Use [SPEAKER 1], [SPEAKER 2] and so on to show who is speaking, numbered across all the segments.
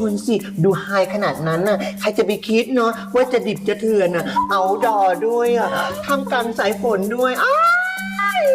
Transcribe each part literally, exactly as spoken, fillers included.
[SPEAKER 1] นสิดูไฮขนาดนั้นน่ะใครจะไปคิดเนาะว่าจะดิบจะเถื่อนน่ะเอาดอด้วยอ่ะทำกลางสายฝนด้วยอ้าย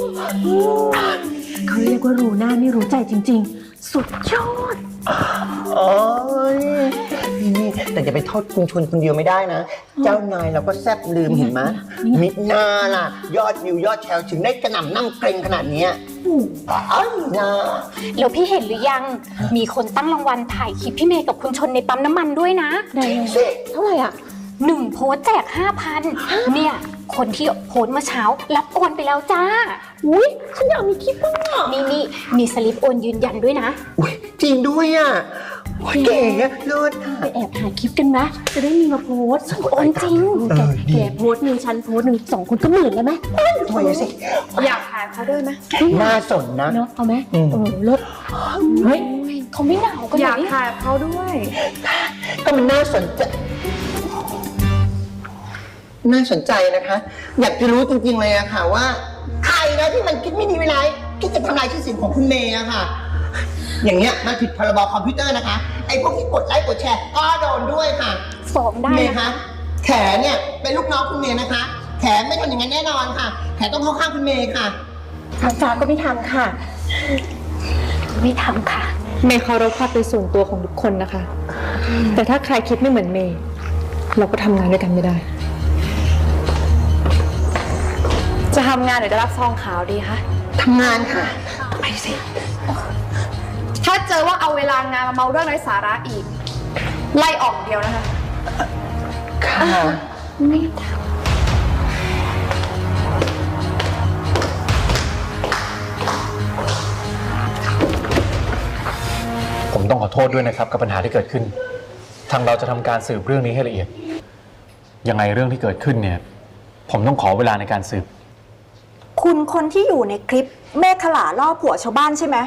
[SPEAKER 2] เขาเรียกว่ารู้หน้าไม่รู้ใจจริงๆสุดยอด
[SPEAKER 1] โอ้ยนี่แต่จะไปโทษคุณชนคนเดียวไม่ได้นะเจ้านายเราก็แซ่บลืมเห็นไหมมิหน้าล่ะยอดวิวยอดแชร์ถึงได้กระหน่ำนั่งเกรงขนาดนี้อ้าวนะ
[SPEAKER 3] แล้วพี่เห็นหรือยังมีคนตั้งรางวัลถ่ายคลิปพี่เมย์กับคุณชนในปั๊มน้ำมันด้วยนะ
[SPEAKER 2] เท่าไหร่อ่ะ
[SPEAKER 3] หนึ่งโพสแจกห้าพันเนี่ยคนที่โพสเมื่อเช้ารับโอนไปแล้วจ้า
[SPEAKER 2] อุ้ยฉันอยากมีคลิปบ้างอ่ะ
[SPEAKER 3] นี่นี่มีสลิปโอนยืนยันด้วยนะ
[SPEAKER 1] อุ้ยจริงด้วยอ่ะเก๋เลิศ
[SPEAKER 2] ไปแอบถ่ายคลิปกันนะจะได้มีมาโพส
[SPEAKER 3] โอนจริง
[SPEAKER 2] แกโพสหนึ่งชั้นโพสหนึ่งสองคนก็หมื่นแล้วไหม
[SPEAKER 1] ทำไมสิ
[SPEAKER 4] อยากถ่ายเขาด้วยไหม
[SPEAKER 1] น่าสนนะ
[SPEAKER 2] เนาะเอาไหมเออลด
[SPEAKER 3] เฮ้ยเขาไม่หนาวกัน
[SPEAKER 4] อยากถ่ายเขาด้วย
[SPEAKER 1] ก็มันน่าสนใจน่าสนใจนะคะอยากจะรู้จริงๆเลยอะค่ะว่าใครนะที่มันคิดไม่ดีเวลาคิดจะทำลายชื่อเสียงของคุณเมย์อะค่ะอย่างเงี้ยมันผิดพรบคอมพิวเตอร์นะคะไอ้พวกที่กดไลค์กดแชร์ก็โดนด้วยค่ะ
[SPEAKER 3] ฟ้องได้
[SPEAKER 1] เมย์คะแขเนี่ยเป็นลูกน้องคุณเมย์นะคะแขไม่ทำอย่างนั้นแน่นอนค่ะแขต้องเข้าข้างคุณเมย์ค่ะ
[SPEAKER 2] ทางฟ้าก็ไม่ทำค่ะ
[SPEAKER 3] ไม่ทำค่ะ
[SPEAKER 4] เมย์เคารพความเป็นส่วนตัวของทุกคนนะคะแต่ถ้าใครคิดไม่เหมือนเมย์เราก็ทำงานด้วยกันไม่ได้จะทำงานหรือจะรับซองขาวดีคะ
[SPEAKER 1] ทำงานค่ะไปสิ
[SPEAKER 4] ถ้าเจอว่าเอาเวลางานมาเมาเรื่องไร้สาระอีกไล่ออกเดียวนะคะ
[SPEAKER 1] ค่ะ
[SPEAKER 3] ไม่ท
[SPEAKER 5] ำผมต้องขอโทษด้วยนะครับกับปัญหาที่เกิดขึ้นทางเราจะทำการสืบเรื่องนี้ให้ละเอียดยังไงเรื่องที่เกิดขึ้นเนี่ยผมต้องขอเวลาในการสืบ
[SPEAKER 6] คุณคนที่อยู่ในคลิปเมฆขลาล่อผัวชาวบ้านใช่ไหม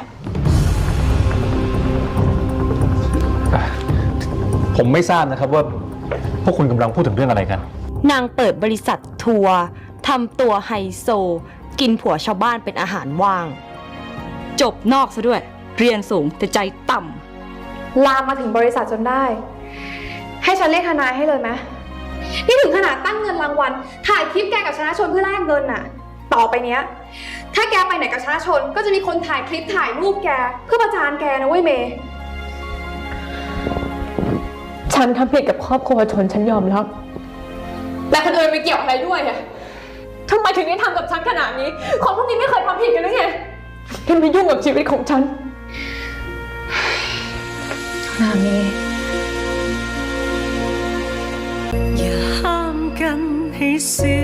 [SPEAKER 5] ผมไม่ทราบนะครับว่าพวกคุณกำลังพูดถึงเรื่องอะไรกัน
[SPEAKER 7] นางเปิดบริษัททัวร์ทำตัวไฮโซกินผัวชาวบ้านเป็นอาหารว่างจบนอกซะด้วยเรียนสูงแต่ใจต่
[SPEAKER 4] ำลามมาถึงบริษัทจนได้ให้ฉันเรียกทนายให้เลยไหมนี่ถึงขนาดตั้งเงินรางวัลถ่ายคลิปแกกับชนะชนเพื่อแลกเงินน่ะต่อไปเนี้ยถ้าแกไปไหนกับชนะชนก็จะมีคนถ่ายคลิปถ่ายรูปแกเพื่อประจานแกนะเว้ยเมย์
[SPEAKER 2] ฉันทำผิดกับครอบครัวชนฉันยอมรับ
[SPEAKER 4] แต่คนอื่นไปเกี่ยวอะไรด้วยอะทำไมถึงได้ทำกับฉันขนาดนี้คนพวกนี้ไม่เคยทำผิดกันหรือไง
[SPEAKER 2] ท่านไม่ยุ่งกับชีวิตของฉันนาเมย์
[SPEAKER 8] อย่าห้ามกันให้เสีย